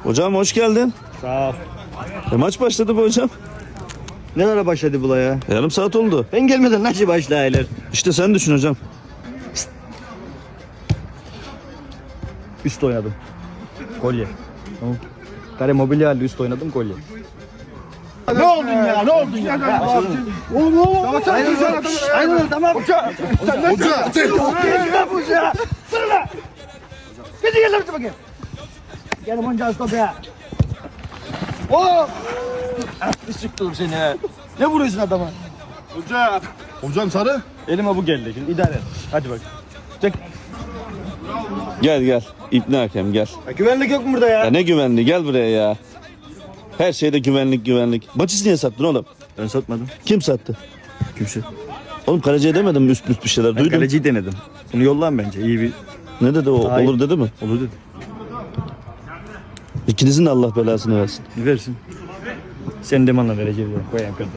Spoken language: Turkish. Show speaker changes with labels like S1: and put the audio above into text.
S1: Hocam hoş geldin.
S2: Sağ ol.
S1: Maç başladı bu hocam.
S2: Ne ara başladı bu la ya?
S1: Yarım saat oldu.
S2: Ben gelmeden nasıl başlayırlar?
S1: İşte sen düşün hocam.
S2: Üst oynadım. Kolye. Tamam. Kare mobilya halde üst oynadım kolye.
S3: Ne oldun ya? Ne oldun ya? Oğlum.
S2: Aynen tamam.
S3: Hoca. Hoca. Gidi gel lan bakayım. Gel monca stop ya. Oo!
S2: Sıktım seni ha. Ne vuruyorsun adama?
S3: Hoca. Hocam sarı.
S2: Elime bu geldi. Şimdi idare et. Hadi bak. Çek.
S1: Gel gel. İbni Hakem gel.
S2: Ya güvenlik yok mu burada ya?
S1: Ya ne güvenliği, gel buraya ya. Her şeyde güvenlik. Maçı niye sattın oğlum?
S2: Ben satmadım.
S1: Kim sattı?
S2: Kimse.
S1: Oğlum kaleciye demedim mi üst bir şeyler
S2: Ben
S1: duydum.
S2: kaleciyi denedim. Bunu yollan bence. İyi bir
S1: Ne dedi o?
S2: Hayır.
S1: Olur dedi mi?
S2: olur dedi.
S1: İkinizin de Allah belasını versin.
S2: Versin. Sen de bana vereceğim. Koyayım.